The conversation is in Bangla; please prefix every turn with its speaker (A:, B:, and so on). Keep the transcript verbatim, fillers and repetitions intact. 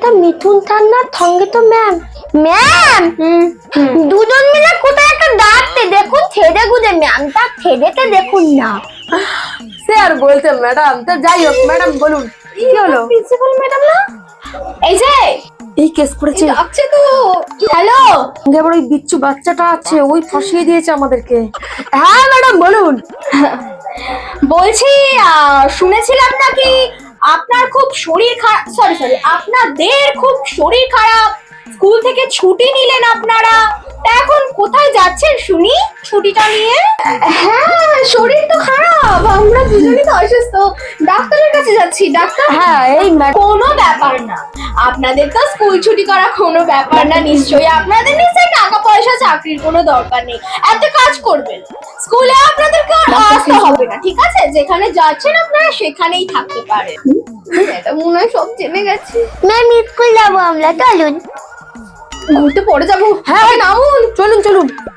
A: একটা মিঠুন ঠান্ডার সঙ্গে তো ম্যাম ম্যাম দুজন মিলে কোথায় একটা ডাকতে দেখুন ছেড়ে গুজে ম্যামটা ছেড়েতে দেখুন না।
B: সে আর বলতে ম্যাডাম, তো যাই হোক ম্যাডাম বলুন কি হলো?
A: প্রিন্সিপাল ম্যাডাম না, এই যে
B: এই কেস করেছে
A: আছে তো। হ্যালো,
B: এবার ওই বিচ্ছু বাচ্চাটা আছে, ওই ফাঁসিয়ে দিয়েছে আমাদেরকে। হ্যাঁ ম্যাডাম বলুন।
A: বলছি শুনেছিলাম নাকি আপনার খুব শরীর খারাপ, সরি সরি আপনাদের খুব শরীর খারাপ, স্কুল থেকে ছুটি নিলেন আপনারা, তা এখন কোথায় যাচ্ছেন শুনি ছুটিটা নিয়ে? হ্যাঁ শরীর তো খারাপ, আমরা দুজনেই তো অসুস্থ, ডাক্তারের কাছে যাচ্ছি। ডাক্তার?
B: হ্যাঁ এই
A: কোনো ব্যাপার না, আপনাদের তো স্কুল ছুটি করা কোনো ব্যাপার না, নিশ্চয়ই আপনাদের নিশ্চয়ই টাকা পয়সা চাকরির কোনো দরকার নেই, একটা কাজ করবেন স্কুলে আপনাদেরকে আর আসতে হবে না, ঠিক আছে? যেখানে যাচ্ছেন আপনারা সেখানেই থাকতে পারেন। এটা মনে হয় সব জেনে গেছে। ম্যাম স্কুল যাবো আমরা, চলুন ঘুরতে পড়ে যাবো।
B: হ্যাঁ নামুন, চলুন চলুন।